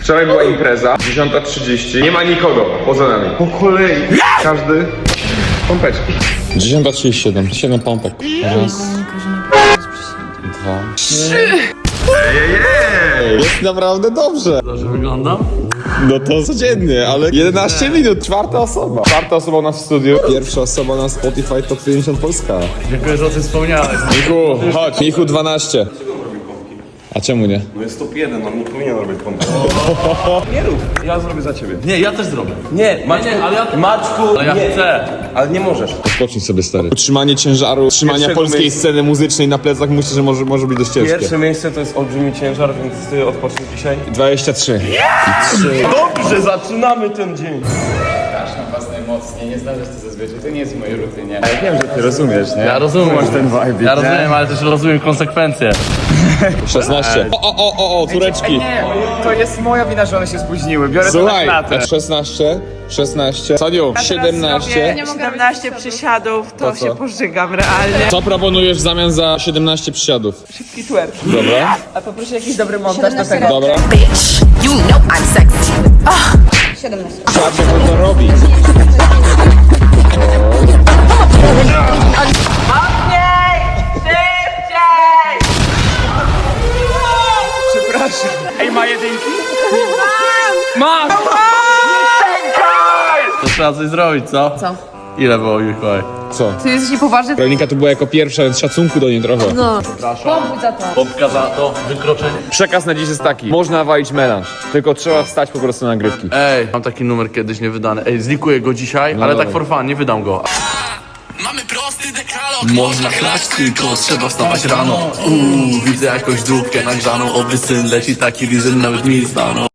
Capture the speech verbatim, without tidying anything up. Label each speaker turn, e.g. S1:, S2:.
S1: Wczoraj była impreza, dziesiąta trzydzieści. Nie ma nikogo poza nami. Po kolei. Każdy pompeczki.
S2: dziesiąta trzydzieści siedem. siedem pompek. Raz, dwa, trzy. Jest naprawdę dobrze.
S3: Dobrze wyglądam?
S2: No to codziennie, ale jedenaście minut, czwarta osoba. Czwarta osoba u nas w studiu. Pierwsza osoba na Spotify Top pięćdziesiąt Polska.
S3: Dziękuję, że o tym wspomniałeś.
S2: Michu, chodź. Michu dwanaście. A czemu nie?
S4: No jest top jeden, on nie powinien robić pompy. Nie rób, ja zrobię za ciebie.
S3: Nie, ja też zrobię.
S4: Nie, Maćku,
S3: nie, ale ja-
S4: Maćku,
S3: Ale ja
S4: nie.
S3: chcę.
S4: Ale nie możesz.
S2: Odpocznij sobie, stary. Utrzymanie ciężaru, utrzymania
S4: Pierwszego
S2: polskiej
S4: miejsca.
S2: sceny muzycznej na plecach myślę, że może, może być dość ciężkie.
S4: Pierwsze miejsce to jest olbrzymi ciężar, więc ty odpocznij dzisiaj.
S2: dwadzieścia trzy.
S4: Dobrze, zaczynamy ten dzień.
S5: Was najmocniej, nie znaleźć to zazwyczaj, to nie jest w mojej rutynie.
S2: Ja wiem, że ty rozumiesz, nie?
S3: Ja rozumiem.
S2: Masz ten vibe,
S3: Ja rozumiem, ale też rozumiem konsekwencje.
S2: szesnaście. O, o, o, o, o, tureczki.
S5: Nie, to jest moja wina, że one się spóźniły. Biorę to na
S2: Słuchaj,
S5: klatę.
S2: szesnaście, szesnaście. Saniu, siedemnaście.
S6: siedemnaście przysiadów, to,
S2: To co?
S6: się pożygam realnie.
S2: Co proponujesz w zamian za siedemnaście przysiadów?
S6: Szybki twerk.
S2: Dobra,
S6: A poproszę jakiś dobry montaż do tego.
S2: dobra.
S7: Bitch, you know I'm sexy.
S2: Trzeba się wolno robić.
S6: Mocniej! Szybciej!
S5: Przepraszam. Ej, ma jedynki?
S6: Mam!
S3: To trzeba coś zrobić, co?
S7: Co?
S3: Ile było, Mikołaj?
S2: Co?
S7: Ty jesteś niepoważny?
S2: Weronika tu była jako pierwsza, więc szacunku do niej trochę.
S7: No. Pomóż za to.
S3: Pompka za to wykroczenie.
S2: Przekaz na dziś jest taki. Można walić melanż, tylko trzeba wstać po prostu na nagrywki.
S3: Ej, mam taki numer kiedyś niewydany. Ej, zlikuję go dzisiaj, ale
S2: dawaj.
S3: tak for fun, nie wydam go.
S8: Mamy prosty dekalog.
S3: Można chlać, tylko trzeba wstawać rano. Uuu, widzę jakąś dupkę nagrzaną. Oby syn leci taki liżyn, nawet mi stanął.